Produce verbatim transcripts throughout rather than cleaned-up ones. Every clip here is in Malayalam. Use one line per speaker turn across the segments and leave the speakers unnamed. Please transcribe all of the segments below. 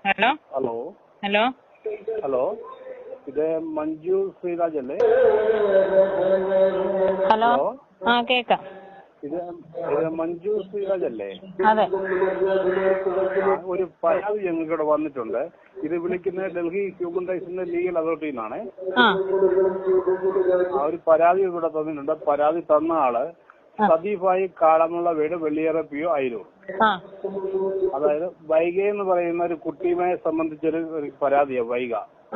ഹലോ
ഹലോ
ഹലോ
ഹലോ ഇത് മഞ്ജു ശ്രീരാജ് അല്ലേ?
ഹലോ ആ കേക്കാം.
ഇത് ഇത് മഞ്ജു ശ്രീരാജ് അല്ലേ?
അതെ.
ആ, ഒരു പരാതി ഞങ്ങൾക്ക് ഇവിടെ വന്നിട്ടുണ്ട്. ഇത് വിളിക്കുന്നത് ഡൽഹി ഹ്യൂമൻ റൈറ്റ്സിന്റെ ലീഗൽ അതോറിറ്റിയിൽ നിന്നാണ്.
ആ
ആ ഒരു പരാതി ഇവിടെ തന്നിട്ടുണ്ട്. പരാതി തന്ന ആള് സദീഫായി കാളമുള്ള വീട് വെള്ളിയേറെ പി ഒ ആയിരൂർ. അതായത് വൈഗ എന്ന് പറയുന്ന ഒരു കുട്ടിയുമായി സംബന്ധിച്ചൊരു ഒരു പരാതിയാണ്. വൈഗ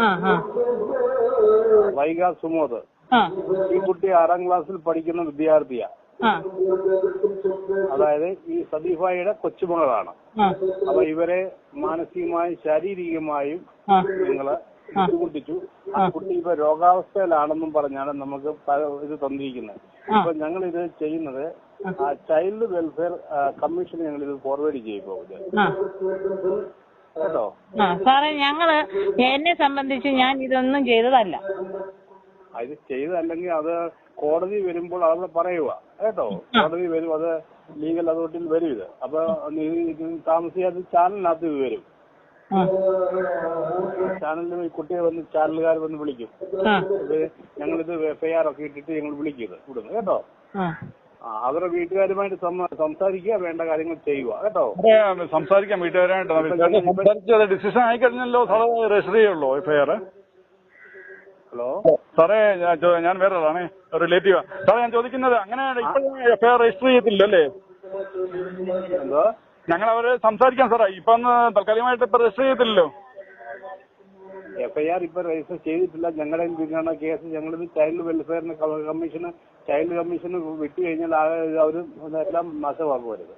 വൈഗ സുമോദ്. ഈ കുട്ടി ആറാം ക്ലാസ്സിൽ പഠിക്കുന്ന വിദ്യാർത്ഥിയാ. അതായത് ഈ സദീഫായിയുടെ കൊച്ചുമകളാണ്. അപ്പൊ ഇവരെ മാനസികമായും ശാരീരികമായും നിങ്ങള് ബുദ്ധിമുട്ടിച്ചു. ആ കുട്ടി ഇപ്പൊ രോഗാവസ്ഥയിലാണെന്നും പറഞ്ഞാണ് നമുക്ക് ഇത് തന്നിരിക്കുന്നത്. ഇപ്പൊ ഞങ്ങൾ ഇത് ചെയ്യുന്നത് ചൈൽഡ് വെൽഫെയർ കമ്മീഷന് ഞങ്ങൾ ഇത് ഫോർവേഡ് ചെയ്യുമ്പോ കേട്ടോ.
സാറേ, ഞങ്ങള് എന്നെ സംബന്ധിച്ച് ഞാൻ ഇതൊന്നും ചെയ്തതല്ല.
ഇത് ചെയ്തല്ലെങ്കിൽ അത് കോടതി വരുമ്പോൾ അവിടെ പറയുക കേട്ടോ. കോടതി വരും, അത് ലീഗൽ അതോറിറ്റിയിൽ വരും. ഇത് അപ്പൊ താമസിയാതെ ചാനലിനകത്ത് ഇത് വരും. ചാനലിൽ കുട്ടിയെ വന്ന് ചാനലുകാർ വന്ന് വിളിക്കും. ഇത് ഞങ്ങളിത് എഫ് ഐ ആർ ഒക്കെ ഇട്ടിട്ട് ഞങ്ങൾ വിളിക്കുന്നത് ഇവിടുന്ന് കേട്ടോ. ആ അവരുടെ വീട്ടുകാരുമായിട്ട് സംസാരിക്കുക, വേണ്ട കാര്യങ്ങൾ ചെയ്യുക കേട്ടോ.
സംസാരിക്കാം വീട്ടുകാരായിട്ട്. ഡിസിഷൻ ആയി കഴിഞ്ഞല്ലോ സാറേ, രജിസ്റ്റർ ചെയ്യുള്ളൂ എഫ് ഐ ആർ.
ഹലോ
സാറേ, ഞാൻ വേറെ ആളാണേ, റിലേറ്റീവാ. സാറേ, ഞാൻ ചോദിക്കുന്നത് അങ്ങനെ ഇപ്പോഴും എഫ് ഐ ആർ രജിസ്റ്റർ ചെയ്യത്തില്ല അല്ലേ?
എന്തോ
ഞങ്ങൾ അവര് സംസാരിക്കാം സാറേ. ഇപ്പൊ ഒന്ന് തൽക്കാലികമായിട്ട് ഇപ്പൊ രജിസ്റ്റർ ചെയ്യത്തില്ലല്ലോ.
എഫ് ഐ ആർ ഇപ്പൊ രജിസ്റ്റർ ചെയ്തിട്ടില്ല. ഞങ്ങളുടെ പിന്നാണ് കേസ്. ഞങ്ങളിത് ചൈൽഡ് വെൽഫെയറിന് കമ്മീഷന് ചൈൽഡ് കമ്മീഷന് വിട്ടു കഴിഞ്ഞാൽ അവര് എല്ലാം നാശമാക്കുമരുത്.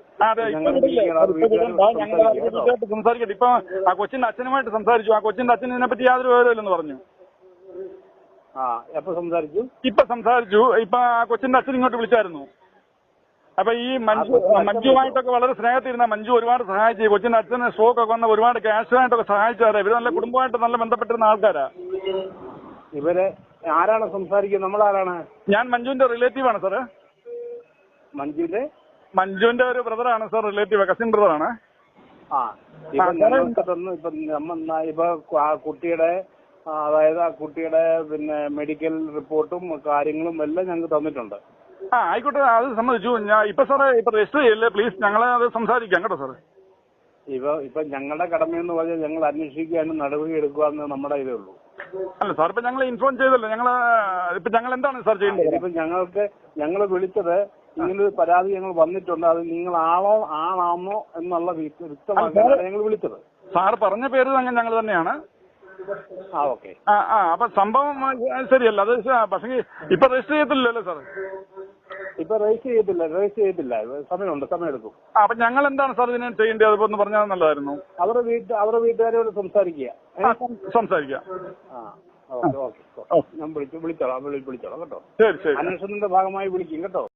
സംസാരിക്കട്ടെ. ഇപ്പൊ ആ കൊച്ചിന്റെ അച്ഛനുമായിട്ട് സംസാരിച്ചു. ആ കൊച്ചിന്റെ അച്ഛൻ ഇതിനെ പറ്റി യാതൊരു വിവരമില്ലെന്ന് പറഞ്ഞു.
ആ എപ്പൊ സംസാരിച്ചു?
ഇപ്പൊ സംസാരിച്ചു. ഇപ്പൊ ആ കൊച്ചിന്റെ അച്ഛൻ ഇങ്ങോട്ട് വിളിച്ചായിരുന്നു. അപ്പൊ ഈ മഞ്ജു മഞ്ജുവായിട്ടൊക്കെ വളരെ സ്നേഹത്തിരുന്ന മഞ്ജു ഒരുപാട് സഹായിച്ചു. കൊച്ചിന്റെ അച്ഛന് സ്ട്രോക്ക് ഒക്കെ വന്ന ഒരുപാട് ക്യാഷുമായിട്ടൊക്കെ സഹായിച്ചാറ്. ഇവര് നല്ല കുടുംബമായിട്ട് നല്ല ബന്ധപ്പെട്ടിരുന്ന ആൾക്കാരാ.
ഇവര് ആരാണ് സംസാരിക്കുന്നത്? നമ്മളാരാണ്?
ഞാൻ മഞ്ജുവിന്റെ റിലേറ്റീവ് ആണ് സാറ്.
മഞ്ജുവിന്റെ
മഞ്ജുവിന്റെ ഒരു ബ്രദറാണ് സാർ, റിലേറ്റീവ്, കസിൻ ബ്രദറാണ്.
ആ ഇപ്പൊ ഞങ്ങൾക്ക് തന്നു. ഇപ്പൊ ഇപ്പൊ ആ കുട്ടിയുടെ അതായത് ആ കുട്ടിയുടെ പിന്നെ മെഡിക്കൽ റിപ്പോർട്ടും കാര്യങ്ങളും എല്ലാം ഞങ്ങൾക്ക് തന്നിട്ടുണ്ട്.
ആ ആയിക്കോട്ടെ, അത് സമ്മതിച്ചു. ഞാൻ ഇപ്പൊ സാറേ ഇപ്പൊ രജിസ്റ്റർ ചെയ്യല്ലേ പ്ലീസ്, ഞങ്ങളെ അത് സംസാരിക്കാം കേട്ടോ സാറ്.
ഇപ്പൊ ഇപ്പൊ ഞങ്ങളുടെ കടമയെന്ന് പറഞ്ഞാൽ ഞങ്ങൾ അന്വേഷിക്കാനും നടപടി എടുക്കുക എന്ന് നമ്മുടെ ഇതേ ഉള്ളൂ.
അല്ല സാർ, ഇപ്പൊ ഞങ്ങൾ ഇൻഫോം ചെയ്തല്ലോ. ഞങ്ങള് ഇപ്പൊ ഞങ്ങൾ എന്താണ് സാർ ചെയ്യേണ്ടത്?
ഇപ്പൊ ഞങ്ങൾക്ക് ഞങ്ങൾ വിളിച്ചത് ഇങ്ങനൊരു പരാതി ഞങ്ങൾ വന്നിട്ടുണ്ട്. അത് നിങ്ങളാണോ ആണാണോ എന്നുള്ള വ്യക്തമാക്കാനാണ് ഞങ്ങൾ വിളിച്ചത്.
സാർ പറഞ്ഞ പേര് അങ്ങനെ ഞങ്ങൾ തന്നെയാണ്.
ആ ഓക്കെ.
ആ ആ അപ്പൊ സംഭവം ശരിയല്ല അത്. പക്ഷേ ഇപ്പൊ രജിസ്റ്റർ ചെയ്യത്തില്ലല്ലോ സാർ?
ഇപ്പൊ രജിസ്റ്റർ ചെയ്യത്തില്ല രജിസ്റ്റർ ചെയ്യത്തില്ല സമയമുണ്ട്, സമയമെടുക്കും.
അപ്പൊ ഞങ്ങൾ എന്താണ് സാർ ഇതിനെ ചെയ്യേണ്ടത്? അതിപ്പോ ഒന്ന് പറഞ്ഞാൽ നല്ലതായിരുന്നു.
അവരുടെ വീട്ട് അവരുടെ വീട്ടുകാരോട് സംസാരിക്കുക.
സംസാരിക്കാം.
ആ ഓക്കെ ഓക്കെ. ഞാൻ വിളിച്ചു വിളിച്ചോളാം വിളിച്ചോളാം കേട്ടോ.
ശരി ശരി.
അന്വേഷണത്തിന്റെ ഭാഗമായി വിളിക്കും കേട്ടോ.